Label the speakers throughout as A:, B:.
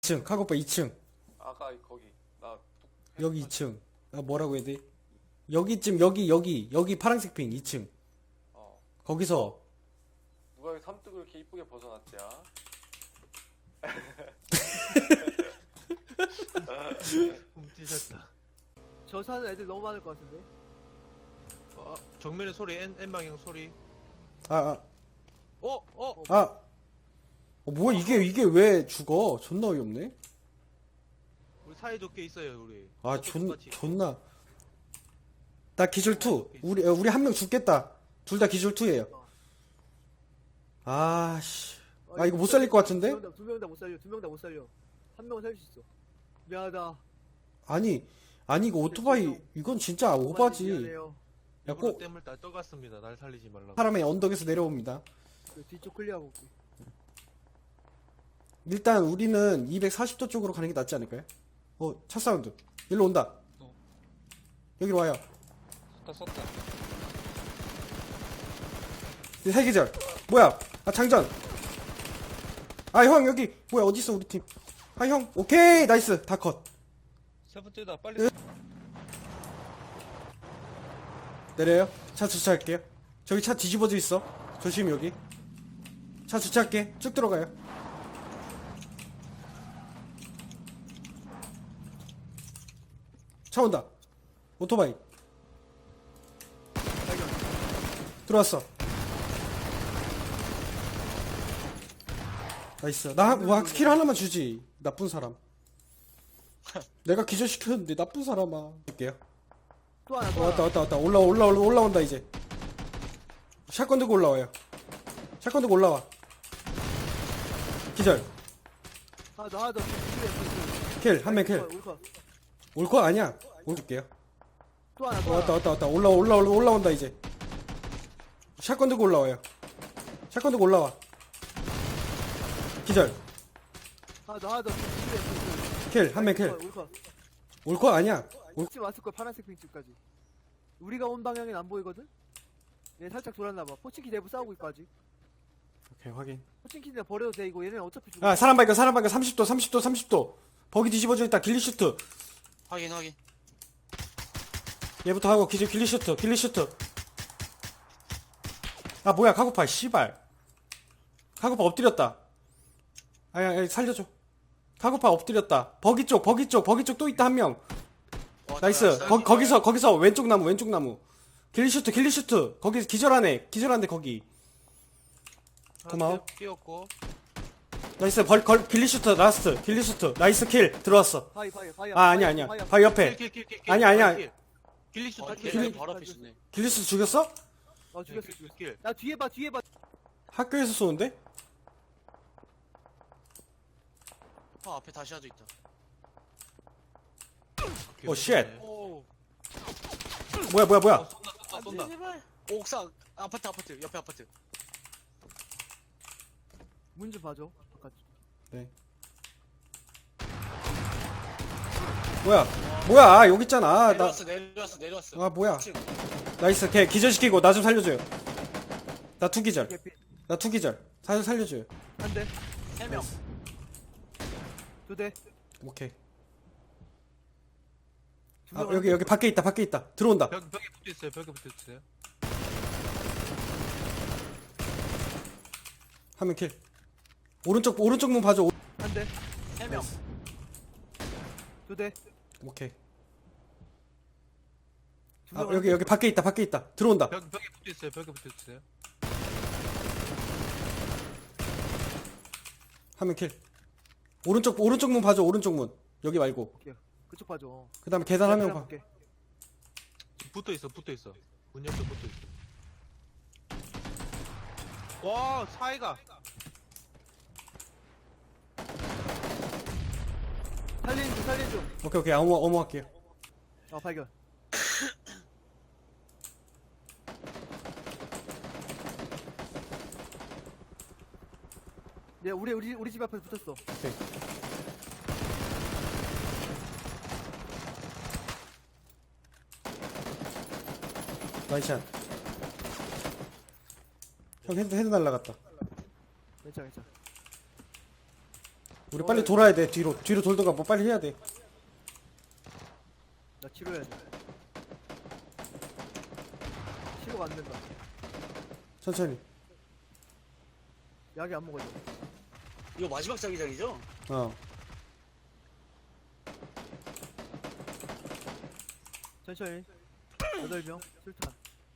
A: 2층 카고파 2층.
B: 아까 거기 나
A: 여기 2층. 아 뭐라고 해야 돼? 여기쯤 여기 파란색 핑 2층. 거기서
B: 누가 여기 삼뚝을 이렇게 이쁘게 벗어놨지야?
C: 찢었다.
D: 저 사는 애들 너무 많을 것 같은데?
C: 정면에 소리, N 방향 소리.
A: 아
C: 어?
A: 뭐야 이게 왜 죽어? 존나 어이없네.
C: 우리 사이좋게 있어요, 우리.
A: 아
C: 똑같이.
A: 존나. 나 기절 2. 우리 한 명 죽겠다. 둘 다 기절 2예요. 아씨. 아 이거 못 살릴 것 같은데?
D: 두 명 다 못 살려. 두 명 다 못 살려. 한 명은 살릴 수 있어. 미안하다.
A: 아니 이거 오토바이 이건 진짜 오바지.
D: 미안해요.
A: 야,
C: 일부러
A: 꼭
C: 땜을 다 떠갔습니다. 날 살리지 말라고.
A: 사람의 언덕에서 내려옵니다.
D: 그 뒤쪽 클리어하고 올게.
A: 일단 우리는 240도 쪽으로 가는 게 낫지 않을까요? 차 사운드. 일로 온다. 여기로 와요.
B: 썼다.
A: 세 계절. 뭐야? 아 장전. 아 형 여기 뭐야 어디 있어 우리 팀? 아 형 오케이 나이스 다 컷.
B: 세 번째다 빨리.
A: 내려요. 차 주차할게요. 저기 차 뒤집어져 있어. 조심 여기. 차 주차할게. 쭉 들어가요. 차 온다. 오토바이. 들어왔어. 나이스. 와, 킬 하나만 주지. 나쁜 사람. 내가 기절시켰는데 나쁜 사람아. 볼게요.
D: 또 하나 또 하나.
A: 왔다. 올라온다, 이제. 샷건 들고 올라와요. 샷건 들고 올라와. 기절.
D: 하나 더 하나 더.
A: 킬. 한 명 킬.
D: 울컷.
A: 올 거 아니야. 올줄게요.
D: 또 하나 또 하나.
A: 왔다. 올라온다, 이제. 샷건 들고 올라와요. 샷건 들고 올라와. 기절.
D: 하나 더 하나 더.
A: 킬. 한 명 킬.
D: 울컷.
A: 올 거 아니야.
D: 지금 왔을 거야. 파란색 핑집까지. 우리가 온 방향엔 안 보이거든? 얘 살짝 돌았나봐. 포칭키 내부 싸우고 있고 아직.
A: 오케이, 확인.
D: 포칭키는 버려도 돼. 이거 얘네는 어차피 죽어.
A: 아, 사람 발견. 30도. 버기 뒤집어져 있다. 길리슈트.
E: 확인.
A: 얘부터 하고 길리슈트. 아, 뭐야, 카고파, 씨발. 카고파 엎드렸다. 아야, 살려줘. 카고파 엎드렸다. 버기 쪽 또 있다, 한 명. 나이스. 거기서 왼쪽 나무. 길리슈트. 거기 기절하네, 거기. 고마워.
C: 끼었고.
A: 나이스, 길리슈트, 라스트. 길리슈트. 나이스 킬. 들어왔어.
D: 바이.
A: 아, 아니야. 바위 옆에.
C: 킬.
A: 아니야.
C: 길리슈 다
E: 길
C: 킬.
E: 바로 앞에 있네.
A: 길리슈트 죽였어?
D: 죽였어.
C: 킬.
D: 야 뒤에 봐.
A: 학교에서 쏘는데?
E: 앞에 다시 하도 있다.
A: 오, 쉣.
E: 오.
A: 뭐야.
C: 쏜다.
E: 제발. 옥상 아파트 옆에 아파트.
D: 문 좀 봐줘. 바깥.
A: 네. 뭐야, 여기 있잖아.
E: 내려왔어.
A: 아, 뭐야.
E: 2층.
A: 나이스, 걔 기절시키고 나 좀 살려줘요. 나 투기절.
D: 개피.
A: 살려줘요.
D: 한 대.
E: 3명.
D: 두 대.
A: 오케이.
D: 두
A: 아,
D: 명.
A: 여기 밖에 있다. 들어온다.
C: 벽에 붙어 있어요.
A: 한 명 킬. 오른쪽 문 봐줘.
D: 한 대.
E: 3명.
D: 두 대.
A: 오케이.
D: 두
A: 아,
D: 명.
A: 여기 밖에 있다. 들어온다.
C: 벽에 붙어 있어요.
A: 한 명 킬. 오른쪽 문 봐줘. 오른쪽 문. 여기 말고.
D: 그쪽 봐줘.
A: 그 다음에 계단 한 명 봐.
D: 볼게.
C: 붙어 있어. 문 옆에 붙어 있어. 와, 사이가.
D: 살린 중.
A: 오케이. 어머 할게요.
D: 발견. 네, 우리 집 앞에 붙었어.
A: 오케이. 나이샷. 형 헤드 날라갔다.
D: 괜찮아.
A: 우리 빨리 돌아야 돼. 뒤로 돌던가 뭐 빨리 해야 돼.
D: 나 치료해야 돼. 치료가 안 된다.
A: 천천히.
D: 약이 안 먹어져.
E: 이거 마지막 자기장이죠?
A: 어.
D: 천천히. 8명 술탄.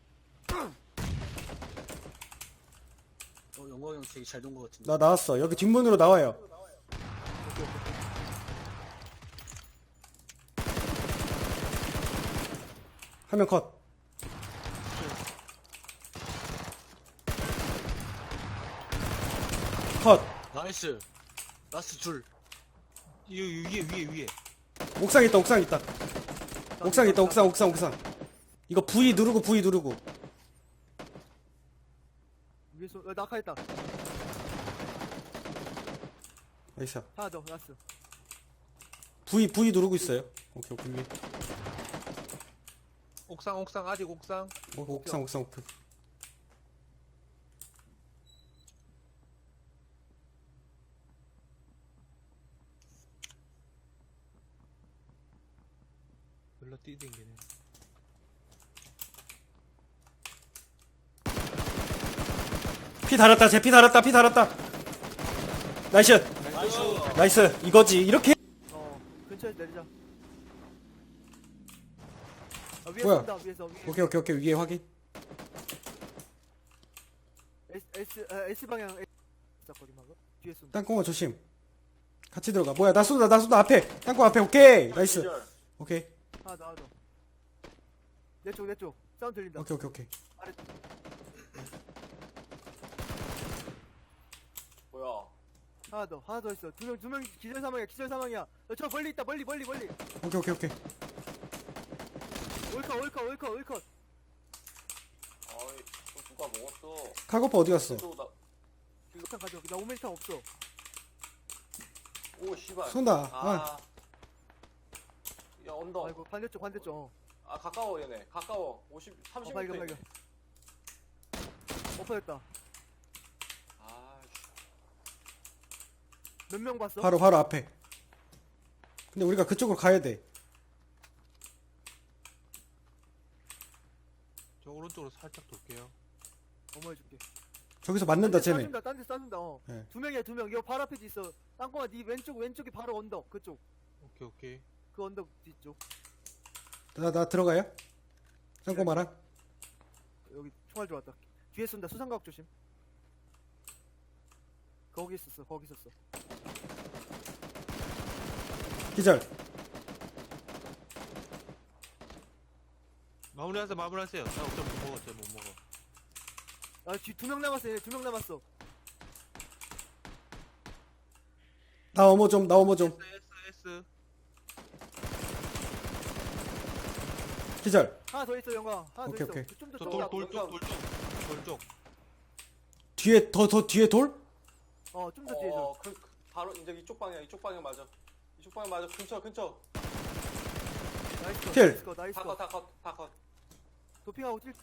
E: 영광 형 되게 잘 돈 것 같은데.
A: 나 나왔어. 여기 뒷문으로 나와요. 화면 컷. 컷.
E: 나이스. 라스트 둘.
C: 위에.
A: 옥상 있다. 옥상 있다. 옥상. 이거 V 누르고.
D: 위에서 낙하했다.
A: 나이스.
D: 하나 더 라스.
A: V 누르고 있어요. 오케이. 위에.
C: 옥상 아직 옥상.
A: 옥상 오픈.
C: 별로 뛰댕기네.
A: 피 달았다. 피 달았다. 나이스. 이거지. 이렇게.
D: 근처에 내리자. 위에
A: 뭐야?
D: 쏜다. 위에서.
A: 오케이. 위에 확인.
D: S 방향 있었거든 방금. 뒤에 쏜다.
A: 땅콩아 조심. 같이 들어가. 뭐야? 나 쏜다. 앞에. 땅콩 앞에. 오케이. 나이스.
B: 기절.
A: 오케이.
D: 하나 더. 내 쪽. 사운드 들린다.
A: 오케이.
D: 아래.
B: 뭐야?
D: 하나 더 있어. 두 명 기절 사망이야. 저 멀리 있다. 멀리.
A: 오케이.
D: 올컷.
B: 아이, 또 누가 먹었어?
A: 카고파 어디 갔어?
B: 또 나,
D: 일단 가져. 나 오메리탄 없어.
B: 오, 씨발.
A: 쏜다.
B: 아. 야, 언더.
D: 아이고 반대쪽.
B: 아, 가까워, 얘네. 가까워. 30m.
D: 발견. 엎어졌다.
B: 아, 씨.
D: 몇 명 봤어?
A: 바로 앞에. 근데 우리가 그쪽으로 가야 돼.
C: 저 오른쪽으로 살짝 돌게요.
D: 어머해줄게.
A: 저기서 맞는다 쟤네.
D: 딴데 쏴준다.
A: 네.
D: 두 명이야. 이거 바로 앞에 있어. 땅콩아 네 왼쪽이 바로 언덕. 그쪽.
C: 오케이.
D: 그 언덕 뒤쪽.
A: 나 들어가요? 땅콩마랑.
D: 여기 총알 들어왔다. 뒤에 쏜다. 수상각 조심. 거기 있었어.
A: 기절.
C: 마무리하세요. 나 어쩜 못 먹어.
D: 아, 뒤 두 명 남았어. 얘네 2명 남았어.
A: 나 어머 좀.
C: S.
A: 기절.
D: 하나 더 있어, 영광. 하나
A: 오케이,
D: 더
A: 오케이.
D: 있어. 좀더
C: 저
D: 더.
C: 돌쪽.
A: 뒤에 더 뒤에 돌?
D: 좀 더 뒤에 줘.
B: 바로 이제 이쪽 방향 맞아. 근처.
D: 나이스.
A: 킬.
D: 나이스.
B: 다 컷.
D: 도핑하고 뛸.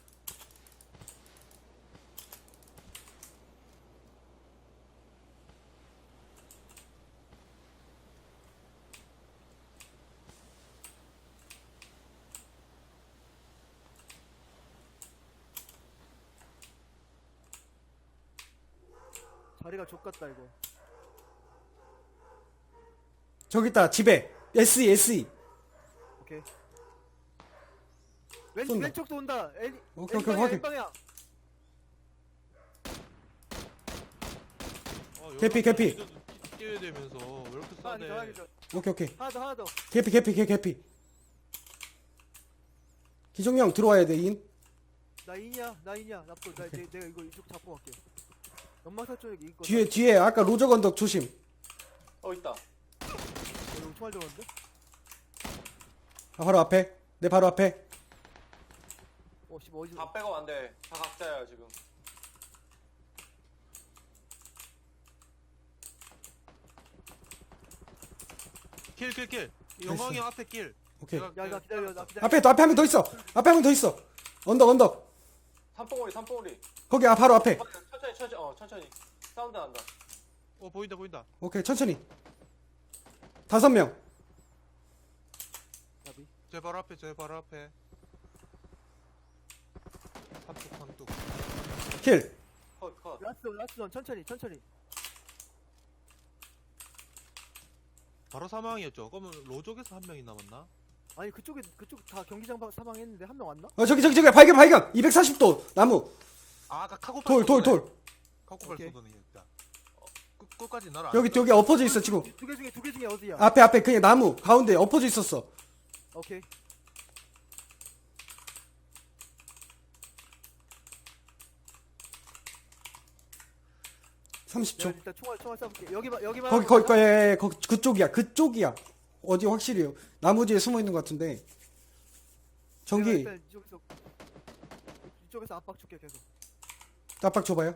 D: 자리가 좁같다 이거.
A: 저기 있다. 집에. SE.
D: 오케이.
A: 쏜다.
D: 왼쪽도 온다.
A: 오케이,
D: N방향,
A: 확인.
D: N방향.
A: 개피.
C: 뛰어야 되면서 왜 이렇게 싸대?
A: 오케이.
D: 하나 더.
A: 개피. 기종형 들어와야 돼. 인.
D: 나 인이야. 납도. 내가 이거 이쪽 잡고 갈게. 연막사 쪽에 있거.
A: 뒤에 아까 로저 건덕 조심.
B: 있다.
D: 이거 총알 들어갔는데?
A: 바로 앞에. 내 바로 앞에.
D: 씨발 어디서?
B: 다 백업 안 돼. 다 각자야, 지금.
C: 킬. 영광이 형 앞에 킬.
A: 오케이.
D: 야, 나 기다려.
A: 앞에 한 명 더 있어. 언덕.
B: 삼봉우리.
A: 거기 바로 앞에.
B: 천천히. 사운드 난다.
C: 보인다.
A: 오케이. 천천히. 5명.
D: 나비.
C: 제 바로 앞에, 제 바로 앞에. 삼뚝.
A: 킬.
B: 컷.
D: 라스트 원 천천히.
C: 바로 사망이었죠. 그러면 로족에서 한 명이 남았나?
D: 아니 그쪽 다 경기장 사망했는데 한 명 왔나?
A: 저기 발견 240도 나무.
C: 아, 아까 카고팔
A: 돌
C: 카고팔
D: 오케이.
C: 쏘더니 일단. 끝까지 날아.
A: 여기 엎어져 있어 지금.
D: 두 개 중에 어디야?
A: 앞에 그냥 나무 가운데 엎어져 있었어.
D: 오케이.
A: 30초.
D: 내가 일단 총알 쏴볼게. 여기만.
A: 거기 그쪽이야. 어디 확실히요. 나무 뒤에 숨어 있는 것 같은데. 전기
D: 일단 이쪽에서 압박 줄게 계속.
A: 깜빡 줘봐요.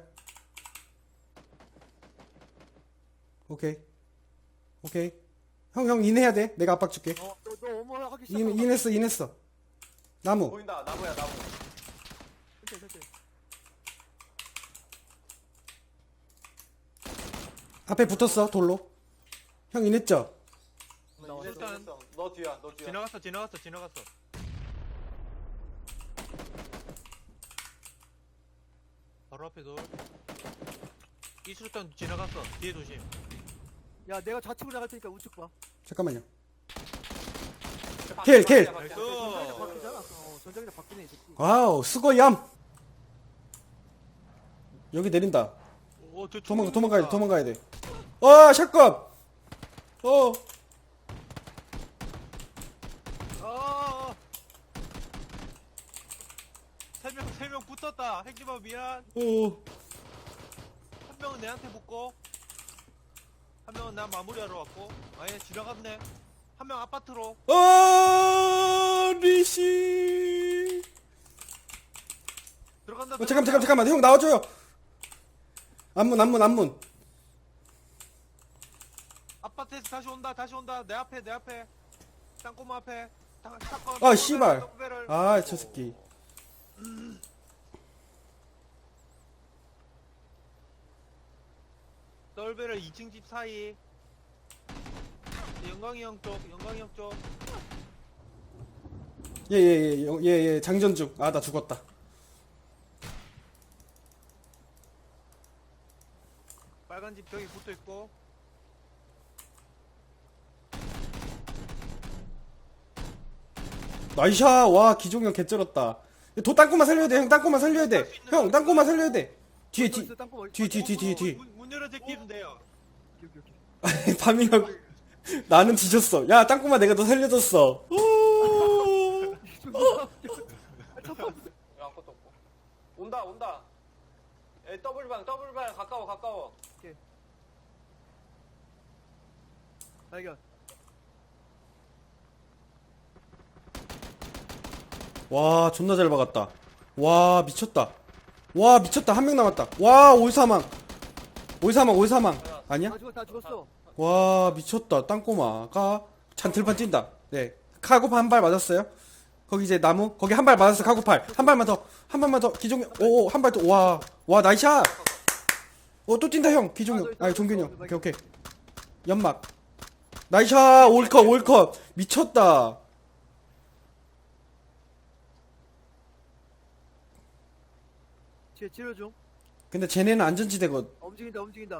A: 오케이. 형 인해야 돼. 내가 압박 줄게.
D: 너 어머 하기 시작하면
A: 인했어. 나무.
B: 보인다. 나무야.
D: 천천히.
A: 앞에 붙었어 돌로. 형 인했죠?
D: 나왔어.
B: 일단 너 뒤야.
C: 지나갔어. 바로 앞에 돌. 이수류탄 지나갔어. 뒤에 조심.
D: 야 내가 좌측으로 나갈 테니까 우측 봐.
A: 잠깐만요. 킬.
C: 나이스.
D: 전장이랑 바뀌잖아. 전장이랑 바뀌네 이 새끼.
A: 와우 수고얌. 여기 내린다.
C: 저
A: 도망가야 돼. 샷건.
C: 아. 3명 붙었다. 핵기바 미안. 한 명은 내한테 붙고, 한 명은 나 마무리하러 왔고, 아예 지나갔네. 한 명 아파트로.
A: 리시.
C: 들어간다.
A: 잠깐만. 형 나와줘요. 안문.
C: 아파트에서 다시 온다. 내 앞에. 땅꼬마 앞에. 샷건.
A: 아, 씨발.
C: 떡배를.
A: 저 새끼.
C: 떨베를 2층 집 사이. 영광이 형 쪽.
A: 예, 장전 중. 나 죽었다.
C: 빨간 집 벽에 붙어 있고.
A: 나이샤. 와, 기종형 개쩔었다. 땅콩만 살려야 돼. 형, 땅콩만 살려야 돼. 형, 땅콩만 살려야 돼. 뒤에. 뒤.
C: 문 열어 제끼면 돼요.
A: 파밍하고. 나는 뒤졌어. 야, 땅콩만 내가 너 살려줬어.
B: 아무것도 없고. 온다. 더블방 가까워.
D: 발견.
A: 와, 존나 잘 박았다. 와, 미쳤다. 한 명 남았다. 와, 올사망. 아니야?
D: 다 죽었어.
A: 와, 미쳤다. 땅꼬마가 잔틀판 뛴다. 네. 카고팔 한 발 맞았어요. 거기 이제 나무. 거기 한 발 맞았어. 카고팔. 한 발만 더. 기종형. 한 발 더. 와, 나이샷. 또 뛴다, 형. 기종형. 종균이 형. 오케이. 연막. 나이샷. 올컷. 미쳤다.
D: 뒤에 치료 중.
A: 근데 쟤네는 안전지대거든.
D: 움직인다.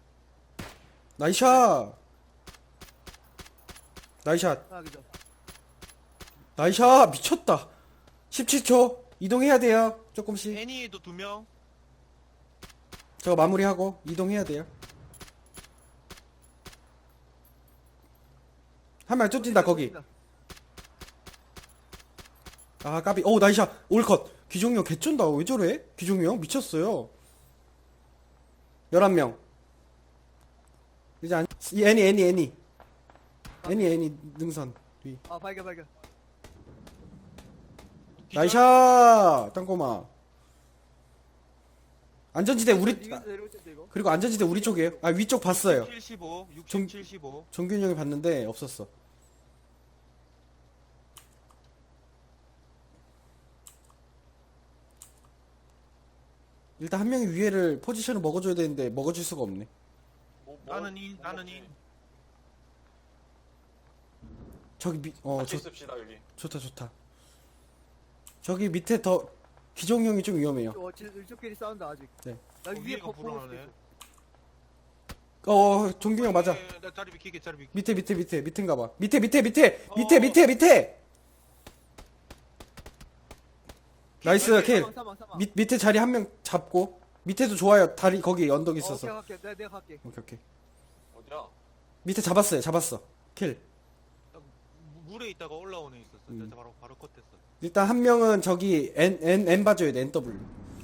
A: 나이샷.
D: 그죠.
A: 나이샷. 미쳤다. 17초. 이동해야 돼요. 조금씩.
C: 애니에도 2명.
A: 저거 마무리하고 이동해야 돼요. 한 명 쫓뛴다 거기. 까비. 나이샷. 올컷. 기종형 개쩐다. 왜 저래? 기종형 미쳤어요. 11명. 이제 이 애니 능선 위.
D: 발견.
A: 나이샷. 땅꼬마. 안전지대 우리.
D: 이거 내려올 텐데 이거.
A: 그리고 안전지대 우리 쪽이에요. 위쪽 봤어요.
C: 75.
A: 좀-
C: 75.
A: 정균이 형이 봤는데 없었어. 일단 한 명이 위에를 포지션을 먹어줘야 되는데 먹어줄 수가 없네.
B: 뭐,
C: 나는 인.
A: 저기
B: 같이 있읍시다 여기.
A: 좋다. 저기 밑에 더 기종형이 좀 위험해요.
D: 이쪽끼리 싸운다 아직.
A: 네.
D: 나 위에
C: 위에가
D: 보고
C: 불안하네.
A: 종균형 맞아.
C: 나 자리 비키게 자리 비키.
A: 밑인가 봐. 밑에. 나이스 킬.
D: 사망.
A: 밑에 자리 한 명 잡고 밑에도 좋아요. 다리 거기 언덕 있어서.
D: 오케이 갈게. 내가 갈게.
A: 오케이.
B: 어디야?
A: 밑에 잡았어. 킬.
C: 물에 있다가 올라오는 애 있었어.
A: 음.
C: 내가 바로 컷했어.
A: 일단 한 명은 저기 N 봐줘야 돼. NW.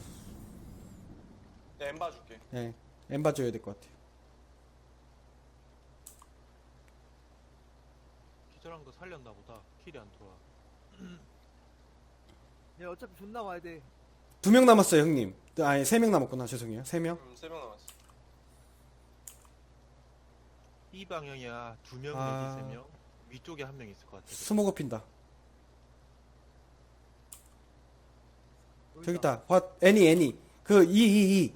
B: 내 엠바 줄게.
A: 예. N 봐줘야 될 것 같아.
C: 기절한 거 살렸나 보다. 킬이 안 들어와.
D: 얘 어차피 존나 와야 돼.
A: 2명 남았어요, 형님. 아니 3명 남았구나. 죄송해요. 3명.
B: 3명 남았어.
C: 이 방향이야. 2명
A: 아.
C: 내지 3명. 위쪽에 한 명 있을 것 같아.
A: 스모그 핀다.
D: 여기
A: 저기 있다. 애니. 그 2.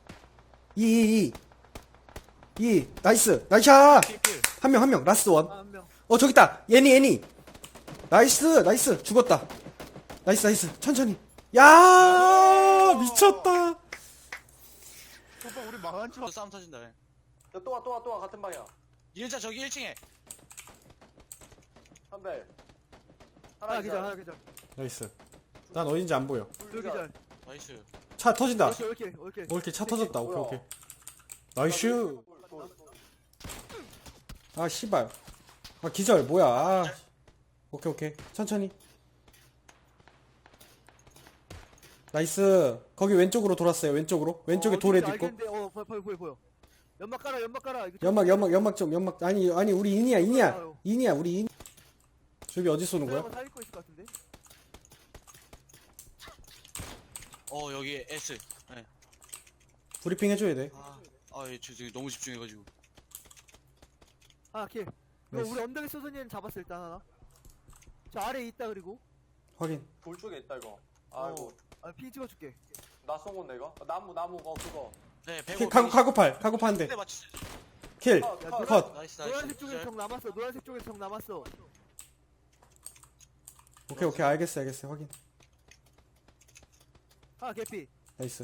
A: 나이스. 나이샤.
C: 킬.
A: 한 명. 라스트 원.
D: 한 명.
A: 저기 있다. 애니. 나이스. 죽었다. 나이스. 천천히. 야! 미쳤다.
C: 오빠 우리 망한 줄.
E: 싸움 터진다. 예.
B: 또 와 같은 방향.
E: 이은자 저기 1층에.
B: 한 대.
D: 하나 기절.
A: 나이스. 난 어딘지 안 보여.
D: 둘 기절.
E: 나이스.
A: 차 터진다.
D: 오케이.
A: 이렇게 차 터졌다. 오케이. 나이스. 아, 씨발. 아, 기절. 뭐야. 아. 오케이. 천천히. 나이스. 거기 왼쪽으로 돌았어요. 왼쪽에 돌에 있고.
D: 보여. 연막 깔아. 이거
A: 연막. 아니, 우리 인이야. 우리 인. 저기 어디 쏘는 거야?
D: 살릴 거 있을 것 같은데.
E: 여기 S. 네.
A: 브리핑 해줘야 돼.
E: 예, 저 저기 너무 집중해가지고.
D: 킬. 이거
A: 나이스.
D: 우리 언덕에 쏘던 얘는 잡았어 일단 하나. 저 아래에 있다 그리고.
A: 확인.
B: 돌 쪽에 있다 이거. 아이고.
D: 핑 찍어줄게.
B: 나 쏜 건데 이거. 나무 그거.
E: 네,
A: 킬,
E: 105.
A: 카고팔 한 대.
E: 네, 맞추.
A: 킬.
B: 컷.
E: 나이스.
D: 노란색 쪽에 적 남았어.
A: 오케이. 알겠어. 확인.
D: 개피.
A: 나이스.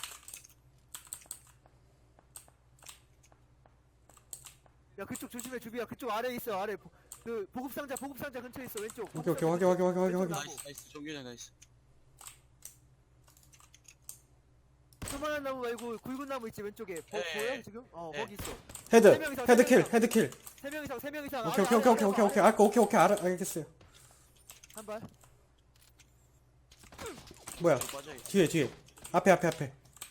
D: 야 그쪽 조심해 주비야. 그쪽 아래에 있어. 아래 그 보급상자 근처에 있어. 왼쪽.
A: 오케이. 확인.
E: 나이스. 정규장 나이스.
D: 조만한 나무 말고 굵은 나무 있지 왼쪽에.
E: 네.
D: 보여 지금?
E: 네.
D: 거기 있어.
A: 헤드킬.
D: 3명 이상.
A: 오케이. 알겠어요.
D: 한 발.
A: 뭐야.
E: 저 빠져요.
A: 뒤에. 앞에.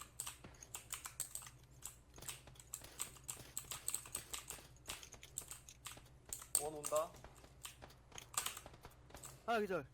B: 원 온다.
D: 하나 기절.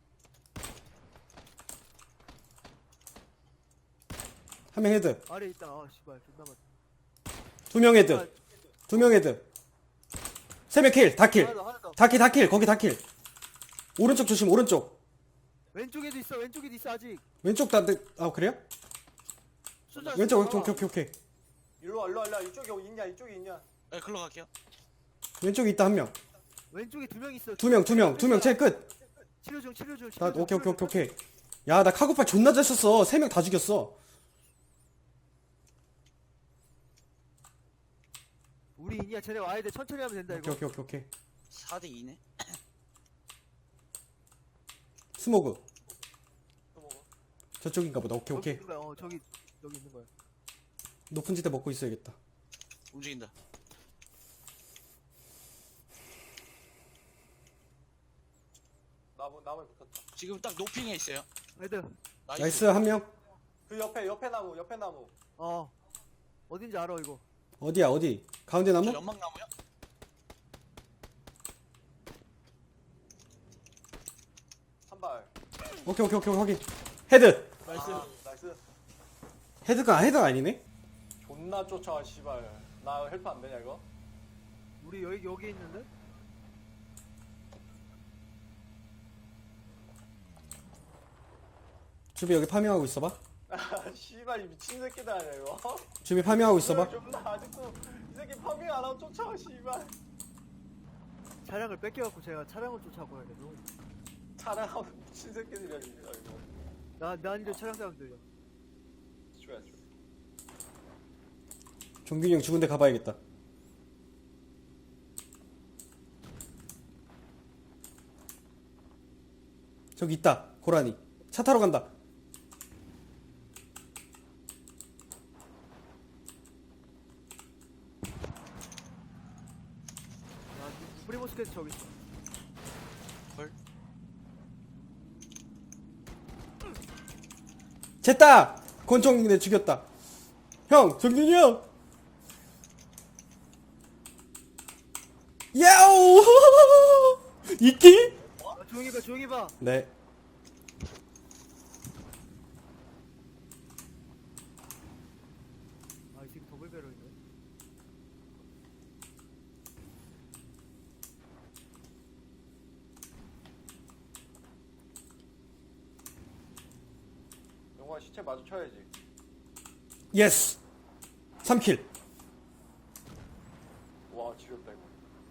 A: 한 명 헤드.
D: 아래 있다. 씨발 존나 많.
A: 2명 헤드. 2명 헤드. 3명 킬. 다 킬.
D: 하나 더.
A: 다 킬. 거기 다 킬. 오른쪽 조심. 오른쪽.
D: 왼쪽에도 있어 아직.
A: 왼쪽 그래요?
D: 쏘자,
A: 왼쪽.
D: 쏘자.
A: 오케이.
B: 일로 와. 이쪽에 있냐.
E: 네, 글로 갈게요.
A: 왼쪽에 있다 한 명.
D: 왼쪽에 2명 있어.
A: 2명. 제일 끝.
D: 치료 중.
A: 나 오케이. 야, 나 카고팔 존나 잘 썼어. 3명 다 죽였어.
D: 우리 인이야. 쟤네 와야 돼. 천천히 하면 된다 이거.
A: 오케이.
E: 4대 2네.
A: 스모그.
B: 또 먹어.
A: 저쪽인가 보다. 오케이.
D: 있는 거야. 저기 있는 거야.
A: 높은 지대 먹고 있어야겠다.
E: 움직인다.
B: 나무에 붙었다.
E: 지금 딱 노핑에 있어요.
D: 애들.
A: 나이스 한 명.
B: 그 옆에 나무.
D: 어딘지 알아 이거.
A: 어디? 가운데 나무?
E: 저 연막 나무요?
B: 한 발.
A: 오케이. 확인. 헤드.
B: 나이스.
A: 헤드가 아니네.
B: 존나 쫓아와 씨발. 나 헬프 안 되냐 이거?
D: 우리 여기 있는데?
A: 주비 여기 파밍하고 있어봐.
B: 씨발 이 미친 새끼들 아니야 이거?
A: 주비 파밍하고 있어봐.
B: 존나 아직도 이 새끼 파밍 안 하고 쫓아와 씨발.
D: 차량을 뺏겨갖고 제가 차량을 쫓아가야 돼.
B: 차량하면 미친 새끼들이야 진짜 이거.
D: 난 이제 차량 사람들이야.
B: 좋아.
A: 종균이 형 죽은 데 가봐야겠다. 저기 있다. 고라니. 차 타러 간다.
D: 프리모스켓 저기 있어.
E: 헐.
A: 됐다! 권총이네 죽였다. 형, 종균이 형! 야오! 이끼?
D: 조용히 봐.
A: 네.
D: 아, 이 새끼 더블 배럴이네.
B: 영화 시체 마주쳐야지.
A: 예스! 3킬.
B: 와 지렸다 이거.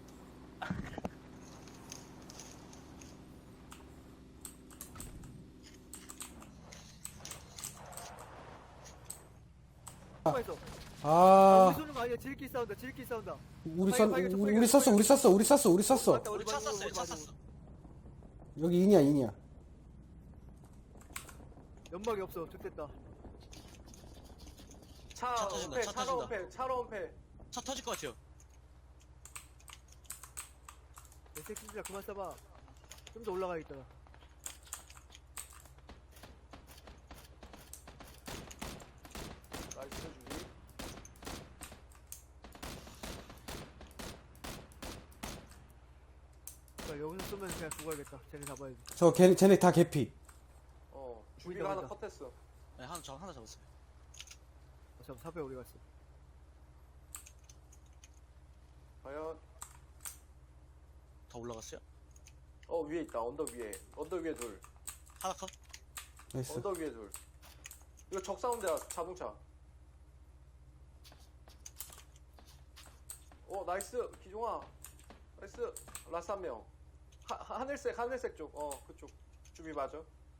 D: 가만 있어.
A: 아,
D: 우리 쏘는 거 아니야. 지름길 싸운다.
A: 우리
D: 빨리
A: 쐈어,
D: 빨리
A: 우리 쐈어.
D: 맞다,
E: 우리 차
D: 맞아,
E: 쐈어요. 차
D: 맞아.
E: 쐈어.
A: 여기 인이야.
D: 연막이 없어. 좋됐다.
B: 차
E: 차 터진다,
B: 은폐,
E: 차
B: 차로
E: 터진다.
B: 은폐, 차로 은폐.
E: 차 터질 것 같아요.
D: 내 새끼들아 그만 쏴봐. 좀 더 올라가야겠다.
B: 나이스 주기.
D: 자, 여기서 쏘면 그냥 죽어야겠다. 쟤네 잡아야지.
A: 쟤네 다 개피.
B: 주비가 하나
D: 보인다.
B: 컷했어.
E: 네, 하나 잡았어요.
D: 잠깐 사배 어디 갔어?
B: 과연
E: 더 올라갔어요?
B: 위에 있다. 언덕 위에 둘.
E: 하나 컷.
A: 나이스.
B: 언덕 위에 둘. 이거 적 사운드야. 자동차. 나이스 기종아. 나이스. 라스 한 명. 하늘색 쪽. 그쪽. 주비 맞아.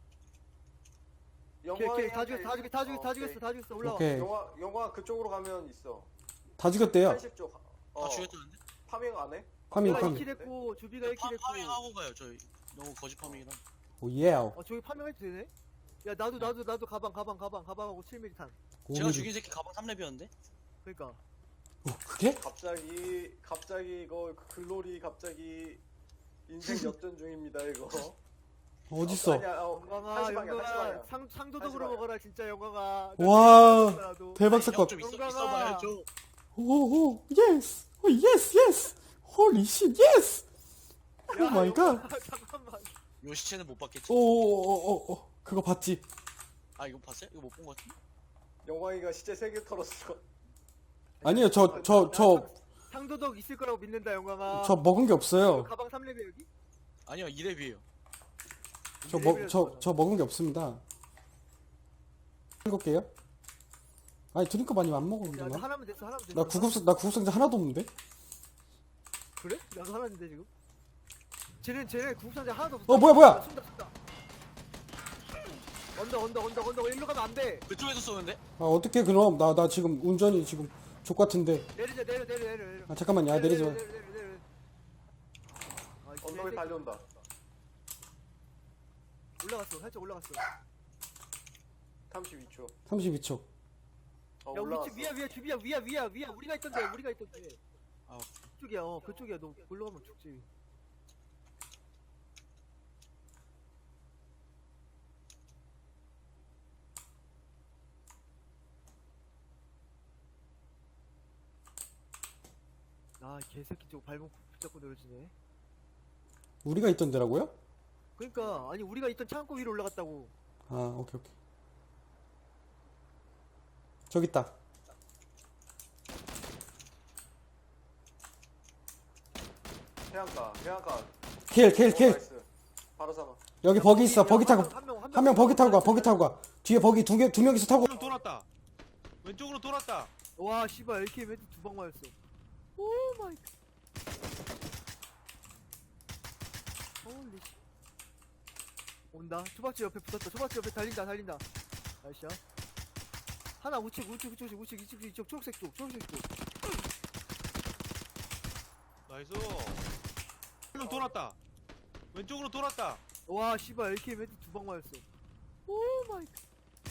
D: 오케이, 다 죽였어. 올라와.
A: 오케이.
B: 영화 그쪽으로 가면 있어.
A: 다 죽였대요.
B: 80쪽.
E: 다 죽였다는데?
B: 파밍 안 해?
A: 파밍,
D: 내가
A: 파밍.
D: 2킬 했고, 주비가 1킬 했고.
E: 파밍하고 가요. 저희 너무 거짓 파밍이라.
A: 오, 예.
D: 저기 파밍해도 되네? 야, 나도 가방하고 7mm 탄.
E: 제가 죽인 새끼 가방 3렙이었는데?
D: 그니까.
A: 그게?
B: 갑자기 이거 글로리 갑자기 인생 역전 중입니다 이거.
A: 어딨어?
B: 아니야,
D: 영광아,
B: 한시 방향.
D: 상도덕으로
B: 한시
D: 먹어라, 진짜 영광아.
A: 와,
D: 나도.
A: 대박 사건.
E: 좀
D: 영광아.
E: 있어봐야죠.
A: 오, 예스. 오, 예스. 홀리 쉣, 예스. 오
D: 야,
A: 마이 갓.
D: 영광아, 잠깐만.
E: 요 시체는 못 봤겠지?
A: 오. 그거 봤지?
E: 아, 이거 봤어요? 이거 못 본 것 같은데?
B: 영광이가 시체 3개 털었어.
A: 아니요, 저
D: 상도덕 있을 거라고 믿는다, 영광아.
A: 먹은 게 없어요.
D: 가방 3렙이야, 여기?
E: 아니요, 2렙이에요.
A: 저 먹은 게 없습니다. 읽을게요. 아니, 드링크 많이 안
D: 야, 나
A: 먹었는데.
D: 하나면 됐어.
A: 나 구급상자 하나도 없는데?
D: 그래? 나도 하나인데, 지금? 쟤네 구급상자 하나도 없어.
A: 뭐야?
D: 쏜다. 언덕, 일로 가면 안 돼.
E: 그쪽에서 쏘는데?
A: 아, 어떻게 그럼? 나 지금 운전이 지금 족 같은데.
D: 내려.
A: 아, 잠깐만요. 아, 내리지 마.
D: 내려. 아, 이
B: 언덕에
D: 개새끼.
B: 달려온다.
D: 살짝 올라갔어.
B: 32초.
A: 32초.
D: 야,
B: 올라왔어.
D: 우리 위야. 우리가 있던데.
E: 아.
D: 그쪽이야. 너 골로 가면 죽지. 아, 개새끼 저거 발목 붙잡고 내려지네.
A: 우리가 있던 데라고요?
D: 그러니까 아니 우리가 있던 창고 위로 올라갔다고.
A: 아, 오케이. 저기 있다.
B: 해안가.
A: 킬.
B: 나이스. 바로 잡아.
A: 여기 버기 있어. 버기 타고. 한 명 버기 타고 가. 뒤에 버기 두 명이서 타고.
C: 왼쪽으로 돌았다. 왼쪽으로 돌았다.
D: 와 씨발 AK 멘트 2방 맞았어. 오 마이. 홀리 씨. 온다. 초박집 옆에 붙었다. 초박집 옆에 달린다. 나이스. 하나 우측 이쪽 초록색 쪽.
C: 나이스. 한명 돌았다. 왼쪽으로 돌았다.
D: 와 씨발 AK 멘트 2방 맞았어. 오 마이 갓.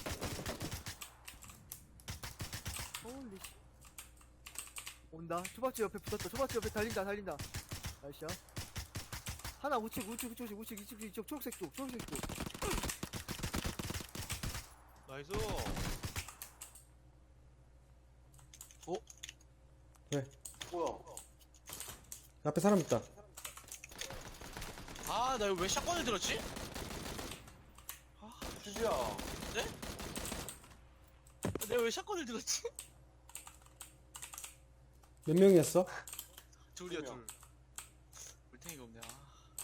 D: 홀리 씨. 온다. 초박집 옆에 붙었다. 초박집 옆에 달린다. 나이스. 하나 우측 이쪽 초록색 쪽.
C: 나이스.
B: 뭐야?
A: 앞에 사람 있다.
E: 아, 나 이거 왜 샷건을 들었지?
B: 주지야.
E: 내가 왜 샷건을 들었지?
A: 몇 명이었어?
E: 둘이야,
B: 두 명.
E: 둘. 물탱이가 없네, 아.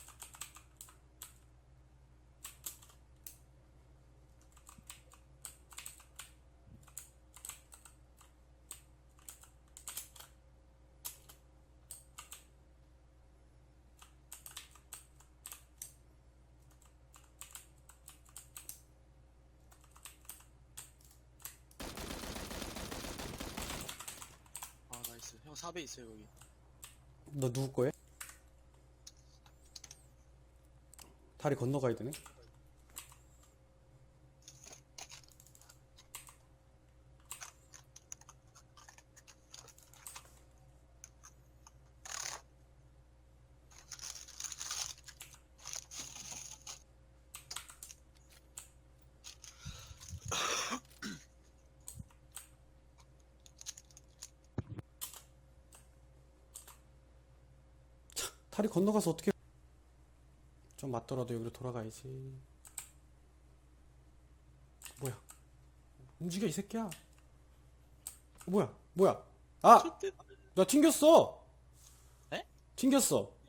E: 아, 나이스. 형 4배 있어요, 여기.
A: 너 누구 거야? 다리 건너가야 되네. 다리 건너가서 어떻게 좀 맞더라도 여기로 돌아가야지. 뭐야? 움직여 이 새끼야. 뭐야? 아! 나 튕겼어.
E: 에?
A: 튕겼어.